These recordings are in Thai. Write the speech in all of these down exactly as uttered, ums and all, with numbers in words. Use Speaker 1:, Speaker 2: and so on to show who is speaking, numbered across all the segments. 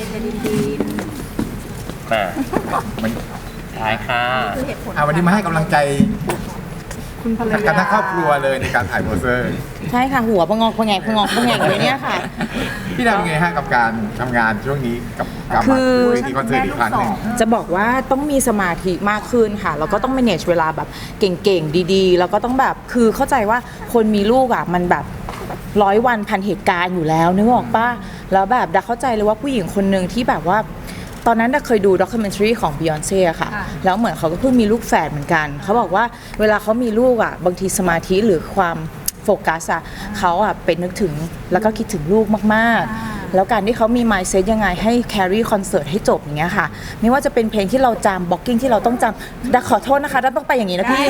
Speaker 1: จะดินดิน
Speaker 2: มามันท้ายค่ะ
Speaker 1: คือเหตุผล
Speaker 3: อ่ะวันนี้มาให้กำลังใจ
Speaker 1: คุณภรร
Speaker 3: กัน
Speaker 1: ยา
Speaker 3: ทั้งครอบครัวเลยในการถ่ายโปสเตอร์
Speaker 4: ใช่ค่ะหัวพะงอกพะแงกพะงอกพะแงกเลยเนี่ยค่ะ
Speaker 3: พี่ดาวเป็นไงฮะกับการทำงานช่วงนี้กับการ
Speaker 4: คื
Speaker 3: มา
Speaker 4: อ
Speaker 3: เวทีคอนเสิร์ตอีกครั้งหนึ่ง
Speaker 4: จะบอกว่าต้องมีสมาธิมากขึ้นค่ะแล้วก็ต้อง manage เวลาแบบเก่งๆดีๆ แล้วก็ต้องแบบคือเข้าใจว่าคนมีลูกอ่ะมันแบบร้อยวันพันเหตุการณ์อยู่แล้วนึกออกป่ะแล้วแบบดาเข้าใจเลยว่าผู้หญิงคนหนึ่งที่แบบว่าตอนนั้นดาเคยดูด็อกิเมนทรีของ Beyonce อะค่ะแล้วเหมือนเขาก็เพิ่งมีลูกแฝดเหมือนกันเขาบอกว่าเวลาเขามีลูกอ่ะบางทีสมาธิหรือความโฟกัสอะเขาอะเป็นนึกถึงแล้วก็คิดถึงลูกมากๆแล้วการที่เขามี mindset ยังไงให้ carry คอนเสิร์ตให้จบอย่างเงี้ยค่ะไม่ว่าจะเป็นเพลงที่เราจำ blocking ที่เราต้องจำดาขอโทษนะคะดาต้องไปอย่างนี้นะพี่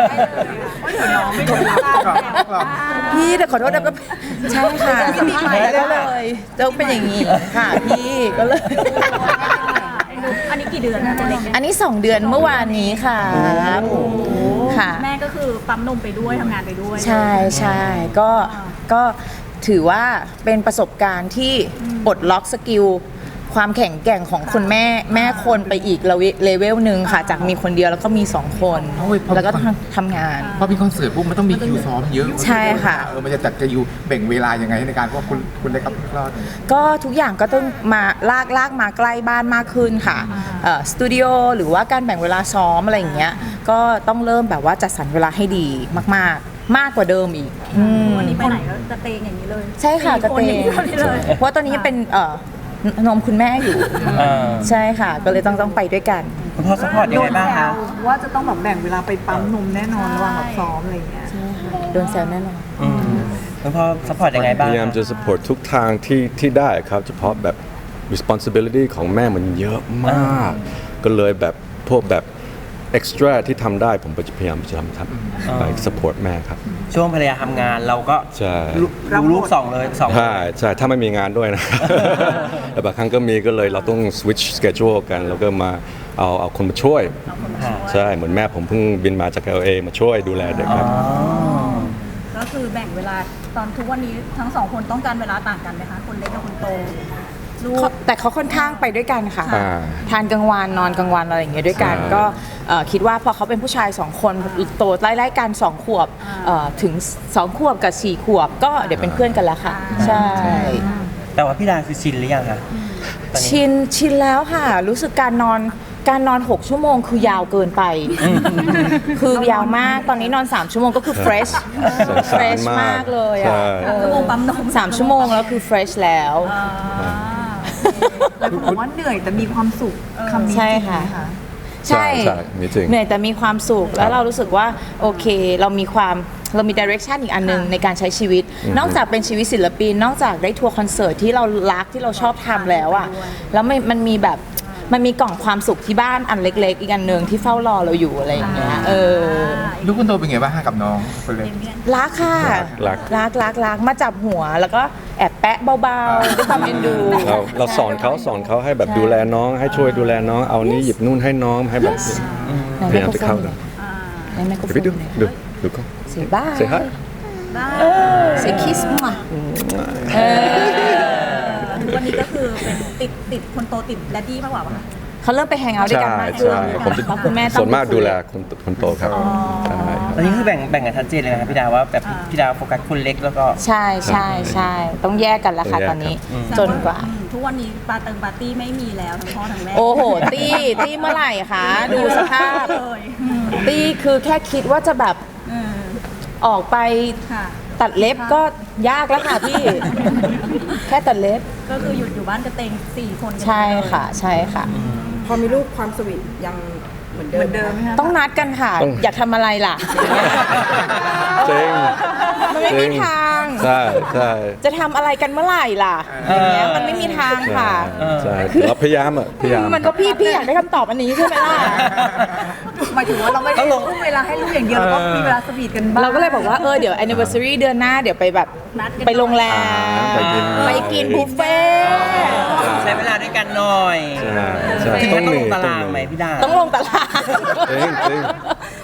Speaker 4: พี่แต่ขอโทษดาก็ใช่ค่ะก็เลยต้องเป็นอย่างนี้ค่ะพี่ก็เลย
Speaker 1: อันนี้กี่เดือนนะตัวเล็ก
Speaker 4: อันนี้สองเดือนเมื่อวานนี้ค่ะค่ะ
Speaker 1: แม่ก็คือปั๊มนมไปด้วยทำงานไปด้วย
Speaker 4: ใช่ใช่ก็ก็ถือว่าเป็นประสบการณ์ที่ปลดล็อกสกิลความแข็งแกร่งของคนแม่แม่คนไปอีกเลเวลหนึ่งค่ะจากมีคนเดียวแล้วก็มีสองคนแล้วก็ทำงาน
Speaker 3: พอมีคอนเสิร์ตปุ๊บมันต้องมีคิวซ้อมเยอะ
Speaker 4: ใช่ค่ะ
Speaker 3: เออมันจะจัดจะอยู่แบ่งเวลายังไงในการเพราะคุณคุณได้กับคลอด
Speaker 4: ก็ทุกอย่างก็ต้องมาลากลากมาใกล้บ้านมากขึ้นค่ะสตูดิโอหรือว่าการแบ่งเวลาซ้อมอะไรอย่างเงี้ยก็ต้องเริ่มแบบว่าจัดสรรเวลาให้ดีมากๆ มากกว่าเดิมอีกอืม
Speaker 1: วันนี้ไปไหนก็กระเตงอย่างนี้เลย
Speaker 4: ใช่ค่ะกระเต
Speaker 1: สี่
Speaker 4: ง
Speaker 1: คนอย่างนี้เลย
Speaker 4: เพราะตอนนี้เป็นเอ่อนมคุณแม่อยู่
Speaker 2: เออ
Speaker 4: ใช่ค่ะ ก็เลยต้องต้องไปด้วยกัน
Speaker 2: คุณพ่อสปอร์ตยังไงบ้างคะ
Speaker 5: ว่าจะต้องแบบแบ่งเวลาไปปั๊มนมแน่นอนระหว่างแบบซ้อมอะไรอย่างเงี้ย
Speaker 4: ใช่ค่ะโดนแซวแน่นอน
Speaker 2: อืมคุณพ่อสปอร์ตยังไงบ้าง
Speaker 6: พยายามจะ support ทุกทางที่ที่ได้ครับเฉพาะแบบ responsibility ของแม่มันเยอะมาก ก็เลยแบบพวกแบบ extra ที่ทำได้ผมก็จะพยายามจะทำทำไป support แม่ครับ
Speaker 2: ช่วงภรรยาทำงานเราก็
Speaker 6: ใช่
Speaker 2: รู้รู้ลูกสองเลยสองคน
Speaker 6: ใช่ใช่ถ้าไม่มีงานด้วยนะ แต่บางครั้งก็มีก็เลยเราต้อง switch schedule กันแล้วก็มาเอาเอาคนมาช่วย ใช่เหมือนแม่ผมเพิ่งบินมาจาก แอล เอ มาช่วยดูแลเด็กครับ
Speaker 1: ก็คือแบ่งเวลาตอนทุกวันนี้ทั้งสองคนต้องการเวลาต่างกันไหมคะคนเล็กกับคนโตลูก
Speaker 4: แต่เขาค่อนข้างไปด้วยกันค่ะ
Speaker 6: อ่า
Speaker 4: ทานกลางวันนอนกลางวันอะไรอย่างเงี้ยด้วยกัน
Speaker 6: ใช่
Speaker 4: ก็เอ่อคิดว่าพอเขาเป็นผู้ชายสองคนโตไล่ๆกันสองขวบเอ่อถึงสองขวบกับสี่ขวบ ก็เดี๋ยวเป็นเพื่อนกันแล้วค่ะ ใช่
Speaker 2: แต่ว่าพี่ดาคือชินหรือยังคะตอนนี้
Speaker 4: ชินชินแล้วค่ะ รู้สึกการนอนการนอนหกชั่วโมงคือยาวเกินไป คือยาวมากตอนนี้นอนสามชั่วโมงก็คือ fresh
Speaker 6: สงสาร
Speaker 4: fresh
Speaker 6: มาก
Speaker 4: มากเลย
Speaker 6: ใช่
Speaker 4: อ่ะ
Speaker 1: ชั่วโมงปั๊มนม
Speaker 4: สามชั่วโมงแล้วคือ fresh แล้ว
Speaker 5: แล้วคุณบอกว่าเหนื่อยแต่มีความสุขคำนี้
Speaker 4: ใช่
Speaker 5: จริงไหม
Speaker 4: ค่ะ
Speaker 5: คะ
Speaker 4: ใช่
Speaker 6: ใช่นี่จริง
Speaker 4: เหนื่อยแต่มีความสุขแล้วเรารู้สึกว่าโอเค เรามีความเรามีดิเรกชันอีกอันหนึงในการใช้ชีวิต นอกจากเป็นชีวิตศิลปิน นอกจากได้ทัวร์คอนเสิร์ตที่เรารักที่เราชอบทำแล้วอ่ะแล้วมันมันมีแบบมันมีกล่องความสุขที่บ้านอันเล็ก ๆ อีกอันหนึ่งที่เฝ้ารอเราอยู่อะไรอย่างเงี้ยเออ
Speaker 3: ลูกคุณโตเป็นไงบ้างฮะกับน้องคนเล็ก
Speaker 4: รักค่ะ
Speaker 6: รัก
Speaker 4: รักรักรักมาจับหัวแล้วก็แอบแปะเบาๆด้วยความเอ็นดู
Speaker 6: เราเราสอนเขาสอนเขาให้แบบดูแลน้อง ให้ช่วยดูแลน้องเอานี้หยิบนู่นให้น้องให้แบบพยายามจะเข้านะ
Speaker 4: ในไมโครโฟ
Speaker 6: เดี๋ยวไปดู
Speaker 4: น
Speaker 6: ดูดูเขา
Speaker 4: เสียบ้า
Speaker 6: say hi
Speaker 4: เสียคิสมาเออ
Speaker 1: วันนี้ก็คือเป็นติดติดคนโตติดแดดดี้มากกว่าป่ะคะ
Speaker 4: เขาเริ่มไปแฮงเอาท์ด้วยกัน
Speaker 6: ใช่
Speaker 4: มากขึ้น
Speaker 6: ใช่ผมจะ
Speaker 4: เพราะคุณแม่ต้อง
Speaker 6: ส่วนมากดูแลคนคนโตครับใช่ครับ
Speaker 2: ตอนนี้คือแบ่งแบ่งกันชัดเจนเลยนะครับพี่ดาว่าแบบพี่ดาโฟกัสคนเล็กแล้วก็
Speaker 4: ใช่ใช่ใช่ต้องแยกกันแล้วค่ะ
Speaker 6: ต้องแยก
Speaker 4: ตอนนี้
Speaker 2: อืม
Speaker 4: จนกว่า
Speaker 1: อืมทุกวันนี้ปาเติงปาร์ตี้ไม่มีแล้วทั้งพ่อทั้งแม่
Speaker 4: โอ้โห ตี้ตี้เมื่อไหร่คะดูสภาพ
Speaker 1: เลยอืม
Speaker 4: ตี้คือแค่คิดว่าจะแบบ
Speaker 1: อืม
Speaker 4: ออกไป
Speaker 1: ค่ะ
Speaker 4: ตัดเล็บก็ยากแล้วค่ะพี่ แค่ตัดเล็บ
Speaker 1: ก็คือหยุดอยู่บ้านกระเตงสี่คนกัน
Speaker 4: ใช่ค่ะใช่ค่ะ
Speaker 5: พอมีลูกความสวีทยังเหมือนเดิมเหมือนเดิมไหมคะ
Speaker 4: ต้องนัดกันค่ะ
Speaker 6: ต้อง
Speaker 4: อยากทำอะไรล่ะ
Speaker 6: จริง
Speaker 4: มันไม่มีทาง
Speaker 6: ใช่ใช่
Speaker 4: จะทำอะไรกันเมื่อไหร่ล่ะอย่างเงี้ยมันไม่มีทางค่ะ
Speaker 6: ใช่เราพยายามอ่ะพยายาม
Speaker 4: มันก็พี่พี่อยากได้คำตอบอันนี้ใช่ไหมล่ะ
Speaker 5: หมายถึงว่าเราไม่ได้ทุ่มเวลาให้ลูกอย่างเดียวเราก็มีเวลาสวีทกันบ้าง
Speaker 4: เราก็เลยบอกว่าเออเดี๋ยว anniversary เดือนหน้าเดี๋ยวไปแบบไปโรงแรม
Speaker 6: ไปกิน
Speaker 4: ไปกินบุฟเฟ่ต์
Speaker 2: ใช้เวลาด้วยกันหน่อย
Speaker 6: ใช่ใช่
Speaker 2: จริงๆ
Speaker 6: ต้
Speaker 2: ต้
Speaker 6: อ
Speaker 2: อง ง
Speaker 6: มี
Speaker 2: ลงตา
Speaker 6: ต้อ
Speaker 2: ราง งไหม
Speaker 6: มี
Speaker 2: พี่ดา
Speaker 4: ต้องลงตลาด
Speaker 6: จริงจริง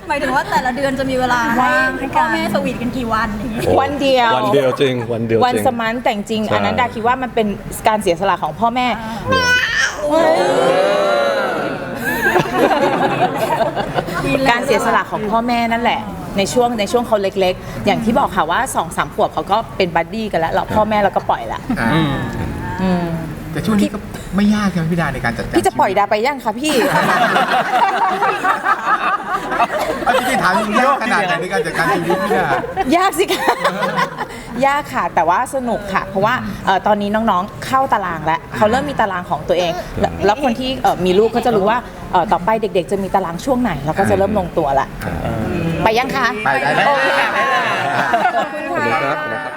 Speaker 1: หมายถึงว่าแต่ละเดือนจะมีเวลาให้
Speaker 5: ว่างให้กั
Speaker 1: พ่อน แม่สวีทกันกี่วันอย่างงี้
Speaker 6: โอ้
Speaker 4: วันเดียว
Speaker 6: วันเดียวจริงวันเดียวจริง
Speaker 4: วันสมันแต่จริงๆ
Speaker 6: ใช่
Speaker 4: อันนั้นดาคิดว่ามันเป็นการเสียสละของพ่อแม่ การเสียสละของพ่อแม่นั่นแหละ ในช่วงในช่วงเขาเล็กๆ อย่างที่บอกค่ะว่าสองสามขวบเขาก็เป็นบัดดี้กันแล้วแล้วพ่อแม่เราก็ปล่อยละ
Speaker 3: อ่า
Speaker 2: อืม
Speaker 4: อืม
Speaker 3: แต่ช่วงนี้ก็ไม่ยากใช่ไหมพี่ดาในการจัดการ
Speaker 4: พี่จะปล่อยดาไปยังคะพี่
Speaker 3: เอาจริงๆถามจริงๆยากขนาดไหนในการจัดการชีวิตพี่ดาย
Speaker 4: ากสิคะ ยากค่ะแต่ว่าสนุกค่ะ เพราะว่าเอ่อตอนนี้น้องๆเข้าตารางแล้วเขาเริ่มมีตารางของตัวเอง แล้วแล้วคนที่เอ่อมีลูกก็จะรู้ว่าเอ่อต่อไปเด็กๆ จะมีตารางช่วงไหนแล้วก็จะเริ่มลงตัวละไปยังคะ
Speaker 3: ไปได้
Speaker 4: โอเค
Speaker 2: ไปได้เลย
Speaker 4: ขอบคุณ
Speaker 6: ขอบคุณ
Speaker 4: ค่ะ
Speaker 6: ครับ